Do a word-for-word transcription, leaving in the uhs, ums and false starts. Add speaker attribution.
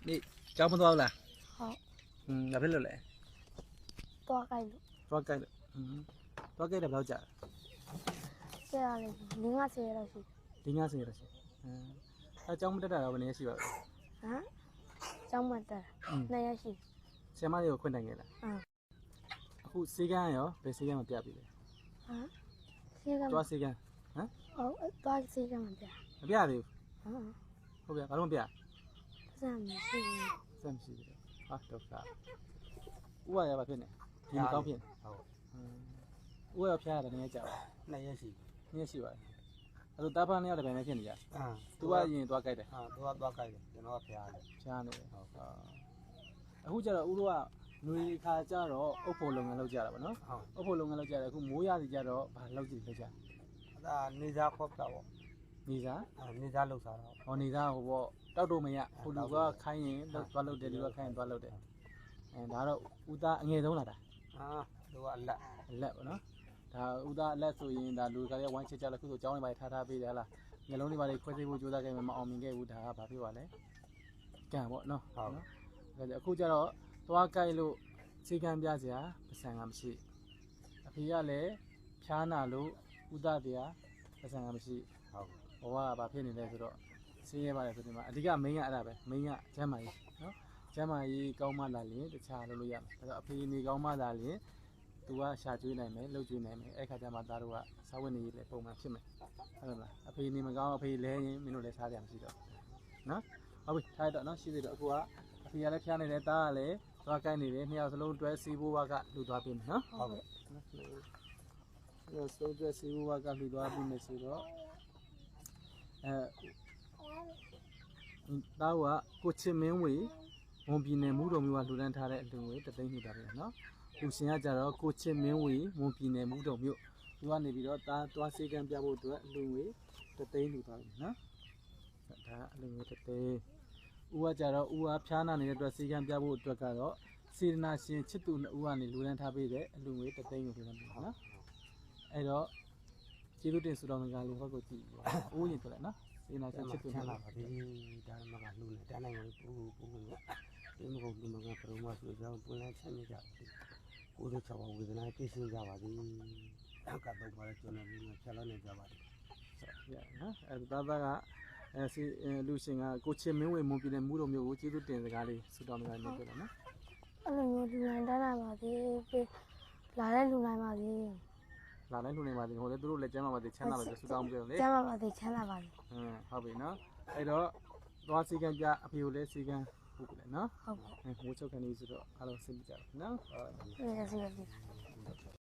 Speaker 1: นี่เจ้ามันตัวอะไร
Speaker 2: ဟုတ်
Speaker 1: อืมแล้วเพื่อนเลย
Speaker 2: သွားကြိုက်လို့
Speaker 1: ตัวใกล้เลยอืมตัวใกล้เดี๋ยวเราจะ
Speaker 2: ကျရလေလင်းကဆယ်ရတော့ရှိ
Speaker 1: ดิ้งง่ายสิเราใช่อืมถ้าเจ้ามันได้แต่เราวันนี้สิแบบ
Speaker 2: ဟမ်ကျောင်းမတက်
Speaker 1: อืม
Speaker 2: နှစ်ရက်ရှိ
Speaker 1: เสียมาเดี๋ยวคนแต่งไงล่ะ
Speaker 2: အင်း
Speaker 1: အခုစေကန်းရောဘယ်စေကန်းမပြပြီလဲ
Speaker 2: ဟမ်ဆေးက
Speaker 1: သွားစေကန်းဟမ်
Speaker 2: ဟုတ်သွားဆေးကမပြ
Speaker 1: မပြသေး
Speaker 2: ဟမ်
Speaker 1: ဘူးဟုတ်ပြဘာလို့မပြ
Speaker 2: စမ်းမရှိဘူး
Speaker 1: စမ်းမရှိဘူးဟာတော့ကဥရရပါဖြစ်နေဒီမကောင်းဖြစ်နေ
Speaker 3: ဟုတ်
Speaker 1: ဥရရဖျားရတယ်နည်းနည်းကြာပါ
Speaker 3: နှစ်ရက်ရှိ
Speaker 1: နည်းနည်းရှိပါတယ်အဲ့တော့တာဖာနဲ့ရတယ်ပဲဖြစ်နေကြ
Speaker 3: အာ
Speaker 1: သူကရင်သွားကြိုက်တယ်
Speaker 3: အာသူကသွားကြိုက်တယ်ကျွန်တော်ကဖျားတယ်
Speaker 1: ဖျားနေတယ်ဟုတ်ကဲ့အခုကျတော့ဥတို့ကຫນွေခါကျတော့အုပ်ဖို့လုပ်ငန်းလုပ်ကြတာပေါ့နော်
Speaker 3: ဟုတ်
Speaker 1: အုပ်ဖို့လုပ်ငန်းလုပ်ကြတယ်အခုမိုးရစီကျတော့ဘာလုပ်ကြည့်လုပ်ကြ
Speaker 3: အဲ့ဒါနေစားခေါပ်တာပေါ့
Speaker 1: နေစား
Speaker 3: အာနေစားလောက်စားတော့
Speaker 1: ဟောနေစားဟိုပေါ့တောက်တော့မရဟိုလူကခိုင်းရင်သွားလုပ်တယ်လူကခိုင်းရင်သွားလုပ်တယ်အဲဒါတော့ဥသားအငယ်ဆုံးလာတာ
Speaker 3: အာသူကအလက်
Speaker 1: အလက်ပေါ့နော်ဒါဥသားအလက်ဆိုရင်ဒါလူကလည်းဝိုင်းချစ်ကြလို့ခုဆိုကြောင်းနေပါထားထားပေးတယ်ဟလားငယ်လုံးတွေပါလေခွဲစိတ်ဖို့ကြိုးစားခဲ့မှမအောင်မြင်ခဲ့ဘူးဒါကဘာဖြစ်ပါလဲကံပေါ့နော်ဟုတ်နော်ဒါကြအခုကျတော့သွားကြိုက်လို့စီကံပြစရာပစံကမရှိအဖေကလည်းဖြားနာလို့ဥသားတရားပစံကမရှိ
Speaker 3: ဟုတ်
Speaker 1: ဘဝကဘာဖြစ်နေလဲဆိုတော့ဆင်းရဲပါတယ်ဆိုဒီမှာအဓိက main ကအဲ့ဒါပဲ main ကကျမ်းမာရေးနော်ကျမ်းမာရေးကောင်းမှလာရင်တခြားလုပ်လို့ရမယ်ဒါတော့အဖေနေကောင်းမှလာရင်သူကရှာကျွေးနိုင်မယ်လှုပ်ကျွေးနိုင်မယ်အဲ့ခါကျမှသားတို့ကစားဝတ်နေရေးလည်းပုံမှန်ဖြစ်မယ်ဟုတ်လားအဖေနေမကောင်းအဖေလဲရင်မင်းတို့လည်းစားကြမှာရှိတော့နော်ဟုတ်ပြီထားတော့နော်ရှိသေးတော့အခုကအဖေကလည်းဖျားနေတယ်သားကလည်းသွားကိုက်နေတယ်နှစ်ယောက်စလုံးတွဲစီးဖို့ကလူသွားပြင်မယ်နော်
Speaker 3: ဟုတ်ကဲ့
Speaker 1: နော်ဆိုတော့စီးဖို့ကလူသွားပြင်မယ်ဆိုတော့အဲသားကကိုချစ်မင်းဝေဝန်ပြည်နယ်မူတော်မျိုးကလူတန်းထားတဲ့အလူငွေတသိန်းနှစ်တာပဲနော်ဦးရှင်ကကြတော့ကိုချစ်မင်းဝေဝန်ပြည်နယ်မူတော်မျိုးသူကနေပြီးတော့သားသွားစေကံပြဖို့အတွက်အလူငွေတသိန်းလူသွားပြီနော်ဒါအလူငွေတသိန်းဦးကကြတော့ဦးကဖျားနာနေတဲ့အတွက်စေကံပြဖို့အတွက်ကတော့စေတနာရှင်ချစ်သူနှစ်ဦးကနေလူတန်းထားပေးတဲ့အလူငွေတသိန်းကိုလူတန်းပေးနော်အဲ့တော့ကျေးဇူးတင်ဆုတောင်းကြလေးဟောကိုကြည့်ဦးရင်ဆိုလိုက်နော်စေနာရှင်ချစ်သူ
Speaker 3: ချ
Speaker 1: နှစ်
Speaker 3: မ်း
Speaker 1: ဦး
Speaker 3: သာပါပြီဒါမှမကလူနဲ့တန်းနိုင်ရင်ပူပူပူဒီမကုန်ဒီမကပရုံးမဆိုကြောင်းပွင့်လန်းချမ်းမြေကြကိုယ်တို့ချောင်းဝေဒနာပြည့်စုံကြပါသည်ကတော့ပါလေကျွန်တော်လည်းချက်လို့နေကြပါသည်
Speaker 1: ရနော်အဲသားသားကအဲစီလူရှင်ကကိုချစ်မင်းဝေမွန်ပြည်နယ်မူတော်မျိုးကိုကျေးဇူးတင်စကားလေးဆုတောင်းကြနေပြတယ်နော်
Speaker 2: အဲ့လိုမျိုးလူနိုင်တန်းနိုင်ပါသေးပြီးလာတဲ့လူနိုင်ပါသေး
Speaker 1: လာတိုင်းလူနေပါသေးဟိုလေသူတို့လည်းကျမ်းမာပါသေးချမ်းသာပါသေးဆုတောင်းပြတယ်လေ
Speaker 2: ကျမ်းပါပါသေးချမ်းသာပါသေး
Speaker 1: ဟမ်ဟုတ်ပြီနော်အဲ့တော့သွားစီကံပြအဖေကိုလည်းစီကံဟုတ်ပြီလေနော်
Speaker 2: ဟုတ်ကဲ့
Speaker 1: ဟိုချုပ်ခံနေဆိုတော့အားလုံးစိတ်ကြပါနော်
Speaker 2: ဒီကစီက